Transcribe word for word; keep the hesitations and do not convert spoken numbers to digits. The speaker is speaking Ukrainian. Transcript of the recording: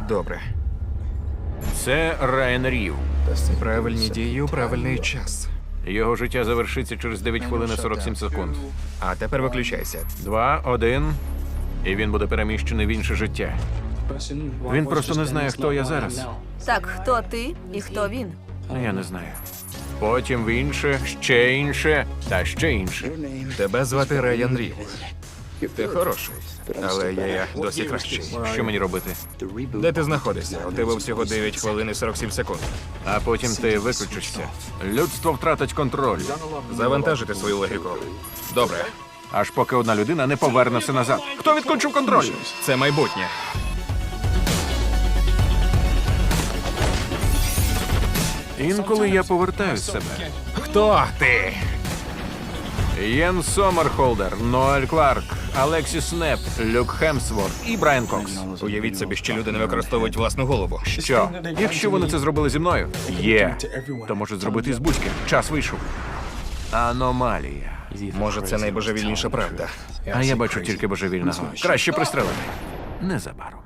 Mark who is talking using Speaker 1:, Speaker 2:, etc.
Speaker 1: Добре.
Speaker 2: Це Райан Рів.
Speaker 1: Правильні дії у правильний час.
Speaker 2: Його життя завершиться через дев'ять хвилин і сорок сім секунд.
Speaker 1: А тепер виключайся.
Speaker 2: Два, один, і він буде переміщений в інше життя. Він просто не знає, хто я зараз.
Speaker 3: Так, хто ти і хто він?
Speaker 2: Я не знаю. Потім в інше, ще інше та ще інше.
Speaker 1: Тебе звати Райан Рів. Ти хороший, але я, я досі кращий.
Speaker 2: Що мені робити?
Speaker 1: Де ти знаходишся? У тебе всього дев'ять хвилин і сорок сім секунд.
Speaker 2: А потім ти виключишся. Людство втратить контроль,
Speaker 1: Завантажити свою логіку. Добре.
Speaker 2: аж поки одна людина не поверне все назад. Хто відключив контроль?
Speaker 1: Це майбутнє.
Speaker 2: Інколи я повертаю себе.
Speaker 1: Хто ти?
Speaker 2: Єн Сомерхолдер, Ноель Кларк, Алексіс Снеп, Люк Хемсворт і Брайан Кокс.
Speaker 1: Уявіть собі, що люди не використовують власну голову.
Speaker 2: Що? Якщо вони це зробили зі мною? Є. То можуть зробити і з будь-ким. Час вийшов. Аномалія.
Speaker 1: Може, це найбожевільніша правда.
Speaker 2: А я бачу тільки божевільного. Краще пристрелити. Незабаром.